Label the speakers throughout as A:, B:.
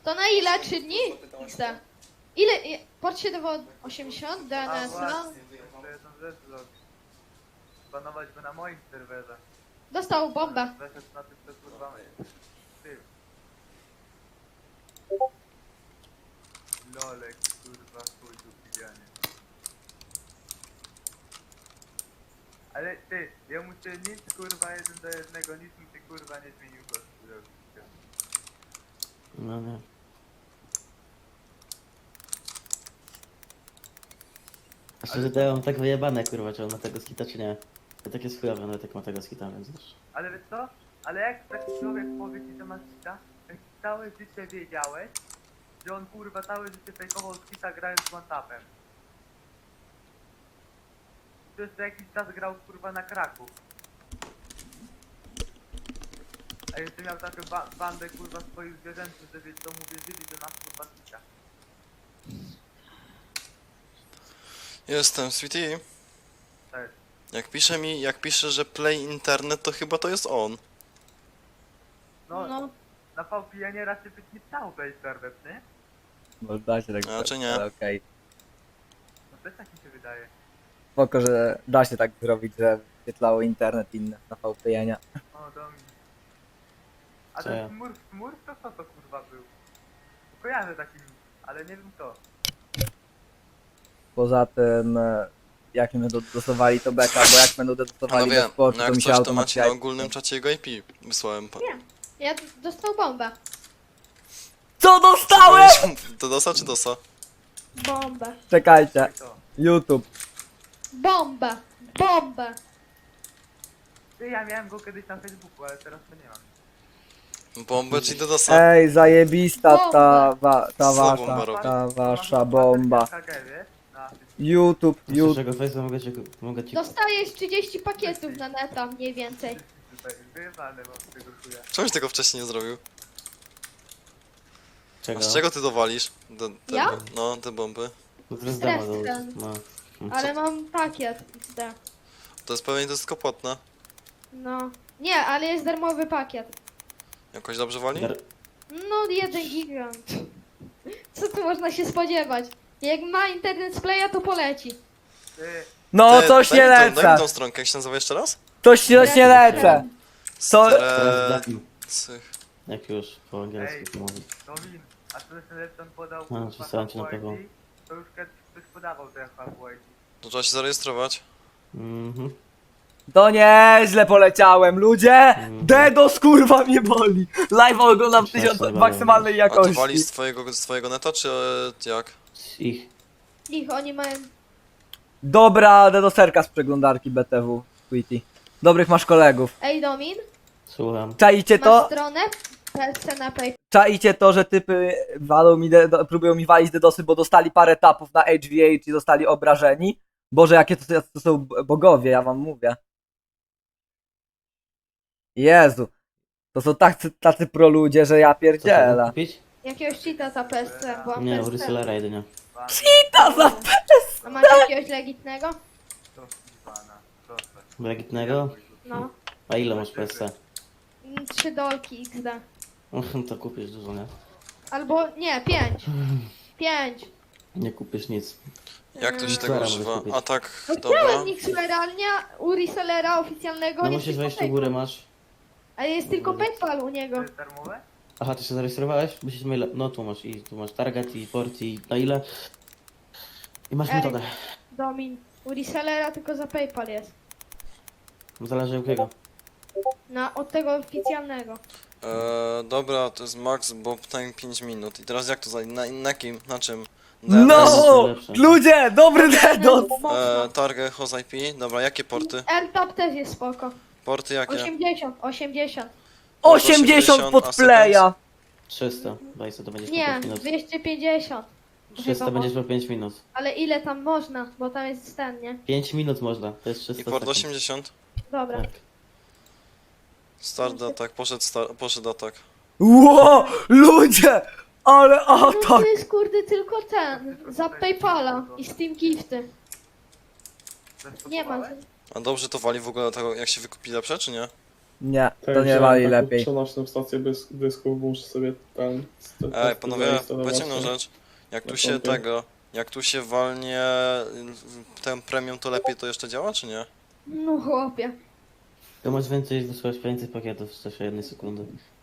A: To na ile? 3 dni? XD. Ile? Port 780, DNS, no.
B: Jeszcze jedną rzecz zrobić. Banować go na moim serwerze.
A: Dostał bombę.
B: Weszedł na tym, co kurwa ty. Lolek, kurwa, chuj tu pijanie. Ale ty, ja muszę nic kurwa 1 do 1, nic mi się kurwa nie zmienił go.
C: No nie. A szczerze to ja mam tak wyjebane kurwa, czy on ma tego skita czy nie. To tak jest chujowe, ale tak ma tego skita, więc wiesz.
B: Ale wiesz co? Ale jak taki człowiek powie ci, że masz kita, jak całe życie wiedziałeś, że on kurwa całe życie fejkował z kita grając z one-tapem. To jeszcze jakiś czas grał kurwa na kraku. A jeszcze miał taką bandę kurwa swoich zwierzętów, że wiesz co mu wierzyli, że masz kurwa kita.
D: Jestem, Sweetie.
B: Tak.
D: Jak pisze, że play internet, to chyba to jest on.
B: No,
A: No.
B: na VPN-ie raczej być nie chciał play serwer, nie?
E: Może da się tak
D: A, czy
E: zrobić,
D: nie?
E: ale okej.
B: No też tak mi się wydaje.
E: Spoko, że da się tak zrobić, że wyświetlało internet inny na VPN-ie.
B: O, Domin. A
C: Co ja?
B: ten Smurf to co to kurwa był? Kojarzę taki, ale nie wiem kto.
E: Poza tym, jak nie będą dostosowali to beka, bo jak będą dostosowali
D: Panowie,
E: do sportu,
D: no
E: to
D: jak
E: mi się
D: coś, to macie na
E: automatycznie...
D: ogólnym czacie jego IP. Wysłałem pan.
A: Ja dostał bombę.
E: Co dostałem?!
D: To dosa czy dosa?
A: Bombę.
E: Czekajcie,
B: I to.
E: YouTube.
A: Bombę. Bombę.
B: Ty, ja miałem go kiedyś na Facebooku, ale teraz to nie mam.
D: Bombę czy do dosa?
E: Ej, zajebista ta
D: Co bomba robi?
E: wasza bomba.
B: KG, wiesz? Na
E: YouTube,
C: Z
E: YouTube.
C: czego Face'a mogę ci...
A: Dostajesz 30 pakietów na neta, mniej więcej.
B: tutaj wyjebane mam z tego chuja.
D: Czemuś tego wcześniej nie zrobił? A
C: Czego?
D: z czego ty dowalisz?
A: Ja?
D: No, te bomby.
C: No to jest demo,
A: Stres
C: to...
A: ten.
C: No.
A: Ale mam pakiet XD.
D: To jest pewnie to jest tylko płatne.
A: No. Nie, ale jest darmowy pakiet.
D: Jakoś dobrze wali?
A: No, 1 gigant. Co tu można się spodziewać? Jak ma internet z playa, to poleci.
B: Ty,
E: No,
D: Ty,
E: coś nie
D: daj mi tą
E: lecę.
D: stronkę, jak się nazywa jeszcze raz?
E: Coś nie lecę. Co?
C: Teraz dam,
D: Cych.
C: jak już po angielsku mówię.
B: Domin, a to jest lepszy on podał
C: No,
B: kurwa
C: przesłałem ci na pewno.
B: HWID, to już kiedyś ktoś podawał te HWID.
D: To trzeba się zarejestrować.
C: Mhm.
E: To nieźle poleciałem, ludzie! DDoS kurwa mnie boli! Live oglądam w 1000 maksymalnej
D: A to walisz
E: jakości.
D: z twojego neta, czy jak?
C: Z ich.
A: Ich, oni mają...
E: Dobra DDoSerka z przeglądarki BTW, Quitty. Dobrych masz kolegów.
A: Ej, Domin,
C: Słucham.
E: Czaicie
A: masz
E: to?
A: stronę PSC na PayPal.
E: Czaicie to, że typy walą mi próbują mi walić DDoSy, bo dostali parę tapów na HVH i zostali obrażeni? Boże, jakie to są bogowie, ja wam mówię. Jezu. To są tacy pro ludzie, że ja
C: Co chcesz
E: pierdzielę.
C: kupić?
A: Jakiegoś cheata za PSC, byłam
C: Nie,
A: PSC.
C: resellera jedynie.
E: Ta za
A: A masz jakiegoś legitnego?
B: To pana, proszę.
C: Legitnego?
A: No.
C: A ile masz PSC?
A: 3 dolki XD.
C: To kupisz dużo, nie?
A: Albo nie, 5. 5.
C: Nie kupisz nic.
D: Jak to się tego
C: Zaraz
D: używa?
C: mogę kupić.
D: A tak,
A: No
D: dobra.
A: chciałem realnie u resellera oficjalnego,
C: No
A: nie
C: musisz
A: tylko
C: wejść do
A: PayPal.
C: góry, masz...
A: Ale jest tylko PayPal u niego.
B: To jest darmowe?
C: Aha, ty się zarejestrowałeś? Musisz maila... No tu masz target i port i na ile? I masz
A: Ej.
C: metodę.
A: Domin. U resellera tylko za PayPal jest.
C: Zależy jakiego.
A: Od tego oficjalnego.
D: Dobra, to jest max bob time 5 minut. I teraz jak to na kim? Na czym?
E: No!
C: najlepsze.
E: Ludzie, dobry DDoS!
D: Target, host IP. Dobra, jakie porty?
A: AirTap też jest spoko.
D: Porty jakie?
A: 80, 80.
E: 80 pod playa!
C: 300. Daj sobie, to będziesz po
A: Nie,
C: 5 minut.
A: 250.
C: 300
A: Chyba
C: będziesz po 5 minut.
A: Ale ile tam można? Bo tam jest ten, nie?
C: 5 minut można, to jest 300
D: I port
C: sekund.
D: 80?
A: Dobra.
C: Tak.
D: Start atak, poszedł atak.
E: Ło! Ludzie! Ale
A: No
E: atak!
A: to jest kurde tylko ten. Za PayPala i Steam Gifty. Nie ma.
D: A dobrze to wali w ogóle tego, jak się wykupi lepsze, czy nie?
E: Nie, to
F: Tak,
E: nie
F: wziąłem
E: wali
F: taką
E: lepiej.
F: przenośną stację dysków, muszę sobie tam...
D: Ej, panowie, powiedzcie jedną
F: no.
D: rzecz. Jak tu
F: Na
D: się
F: kompie.
D: jak tu się walnie ten premium, to lepiej to jeszcze działa, czy nie?
A: No chłopie.
C: To masz wysłać więcej pakietów w czasie 1 sekundy.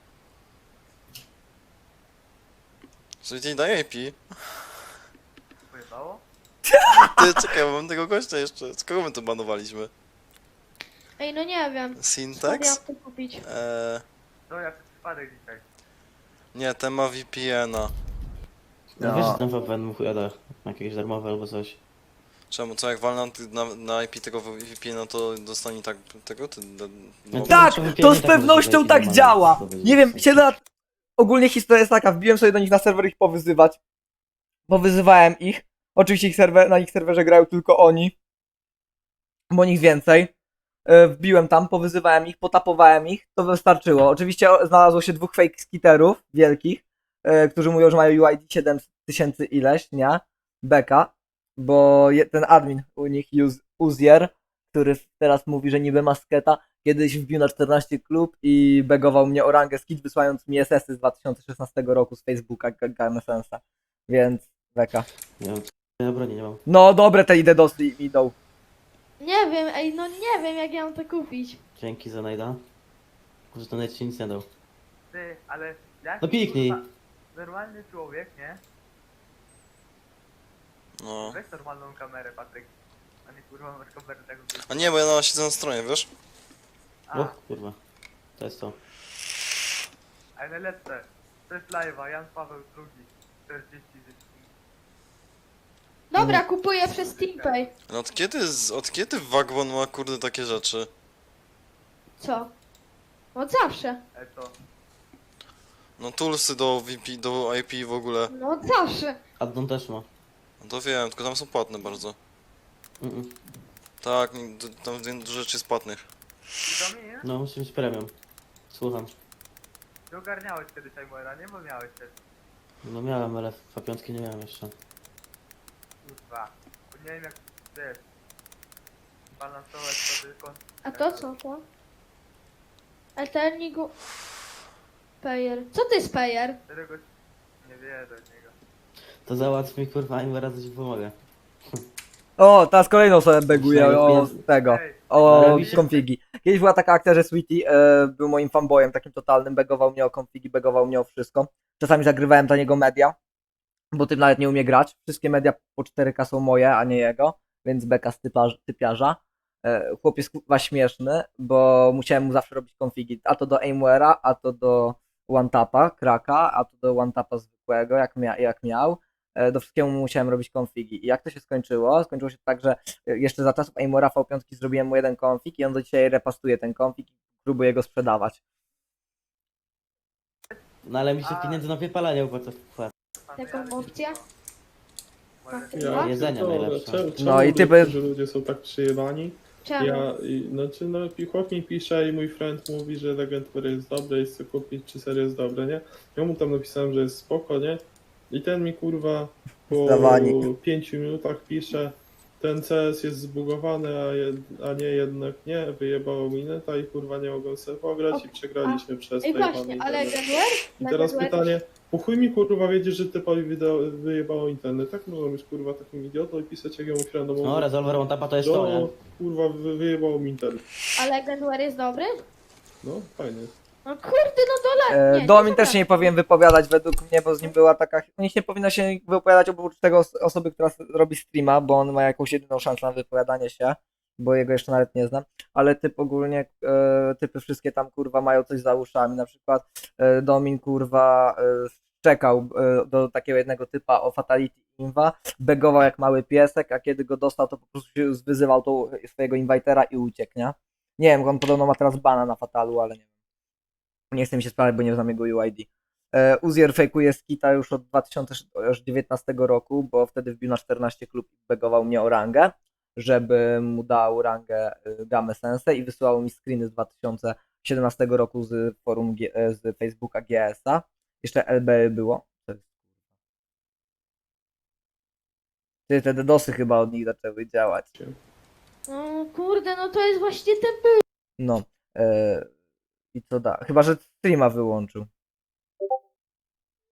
D: Czyli daje IP.
B: Pojebało?
D: Ty, czekaj, bo mam tego gościa jeszcze. Z kogo my to banowaliśmy?
A: Ej, no nie wiem. Skąd
D: Syntax?
A: ja to kupić?
B: No jak przypadek dzisiaj.
D: Nie, ten ma VPN-a.
C: No
E: No.
C: wiesz, że ten VPN mu chuja da. Jakieś darmowe albo coś.
D: Czemu, co jak walnę na IP tego VPN-a, to dostanie tak tego?
C: No
E: Tak,
C: to
E: to
C: VPN
E: z
C: tak
E: pewnością
C: może
E: tak
C: wejść
E: działa.
C: normalnie,
E: Nie wiem,
C: to
E: 7 lat... Ogólnie historia jest taka, wbiłem sobie do nich na serwer ich powyzywać. Powyzywałem ich. Oczywiście na ich serwerze grają tylko oni. Bo nich więcej. Wbiłem tam, powyzywałem ich, potapowałem ich, to wystarczyło. Oczywiście znalazło się 2 fake skiterów wielkich, którzy mówią, że mają UID 7000 ileś, nie? Beka, bo ten admin u nich, Uzier, który teraz mówi, że niby masketa, kiedyś wbił na 14 klub i begował mnie o rangę skit, wysłając mi SS-y z 2016 roku z Facebooka, Gamesensa. Więc beka.
C: Nie wiem, ja broni nie mam.
E: No dobre te IDDoSy idą.
A: Nie wiem, ej, no nie wiem jak ja mam to kupić.
C: Dzięki za najda. Że to nawet ci nic nie dał.
B: Ty, ale jak...
C: No piknij.
B: kurwa, normalny człowiek, nie?
D: No.
B: Weź normalną kamerę, Patryk. A nie kurwa masz kamerę tego...
D: A nie, bo ja siedzę na stronie, wiesz?
B: A,
C: O kurwa. To jest to.
B: ale najlepsze. To jest live'a, Jan Paweł II. 40 zyski.
A: Dobra, kupuję przez TeamPay.
D: No od kiedy Wagwon ma kurde takie rzeczy?
A: Co? Od zawsze.
B: To.
D: No toolsy do VP, do IP w ogóle.
A: No od zawsze.
C: Addon też ma.
D: No to wiem, tylko tam są płatne bardzo.
C: Mm-mm.
D: Tak, tam dużo rzeczy jest płatnych.
B: I do mnie,
C: No musi być premium. Słucham.
B: ty ogarniałeś kiedyś Aimora, nie? Bo miałeś też.
C: No miałem, ale V5 nie miałem jeszcze.
B: Kurwa. Bo nie wiem jak, wiesz, balansować sobie kąt.
A: A to co to? Eternigu... Payer. Co to jest payer?
B: Którego nie wie do niego.
C: To załatw mi kurwa im razy ci pomogę.
E: O, teraz kolejną sobie beguję o tego.
B: Ej,
E: O
C: Robi się-
E: konfigi. Kiedyś była taka akcja, że Sweetie był moim fanboyem takim totalnym, begował mnie o konfigi, begował mnie o wszystko. Czasami zagrywałem dla niego media, bo tym nawet nie umie grać. Wszystkie media po 4K są moje, a nie jego, więc beka z typiarza. Chłop jest kurwa śmieszny, bo musiałem mu zawsze robić konfigi, a to do Aimware'a, a to do OneTapa, Kraka, a to do OneTapa zwykłego, jak miał. Do wszystkiego musiałem robić konfigi. I jak to się skończyło? Skończyło się tak, że jeszcze za czasów Aimora V5 zrobiłem mu jeden konfig i on do dzisiaj repastuje ten konfig i próbuje go sprzedawać.
C: No ale mi się pieniędzy na wypalanie opłaca wpłat.
A: Taką opcję?
F: Ja
C: Jedzenia
F: pierdolę,
C: najlepsze.
F: czemu
E: No i typy-
F: że ludzie są tak przyjebani?
A: Czemu?
F: Znaczy, no, chłop mi pisze i mój friend mówi, że Legend War jest dobre i chce kupić, czy serio jest dobre, nie? Ja mu tam napisałem, że jest spoko, nie? I ten mi kurwa po
E: Zdawani.
F: 5 minutach pisze, ten CS jest zbugowany, a nie jednak nie, wyjebało mi neta i kurwa nie mogą sobie pograć i przegraliśmy przez
A: Ej
F: jebany
A: właśnie, ale
F: internet.
A: Genware?
F: I teraz pytanie, po chuj mi kurwa wiedzieć, że typowi wyjebało internet, tak mogą być kurwa takim idiotą i pisać jak ja mu friendomu.
C: No Resolver on tapa to jest to, nie?
F: No, kurwa, wyjebało mi internet.
A: Ale Genware jest dobry?
F: No, fajnie.
A: No kurde, no dole. Nie,
E: Domin
A: nie
E: też się nie powinien wypowiadać według mnie, bo z nim była taka... U nich nie powinno się wypowiadać oprócz tego osoby, która robi streama, bo on ma jakąś jedyną szansę na wypowiadanie się, bo jego jeszcze nawet nie znam, ale typ ogólnie, typy wszystkie tam kurwa mają coś za uszami, na przykład Domin kurwa czekał do takiego jednego typa o Fatality Inva, begował jak mały piesek, a kiedy go dostał, to po prostu się wyzywał tą swojego invitera i uciekł, nie? Nie wiem, on podobno ma teraz bana na Fatalu, ale nie wiem. Nie chcę mi się sprawdzać, bo nie znam jego UID. Uzier fejkuje skita już od 2019 roku, bo wtedy wbił na 14 klub i begował mnie o rangę, żeby mu dał rangę Game Sensei i wysyłał mi screeny z 2017 roku z forum z Facebooka GS-a. Jeszcze LB było. Te DDoSy chyba od nich zaczęły działać.
A: No kurde, no to jest właśnie ten był.
E: No. I co da? Chyba, że streama wyłączył.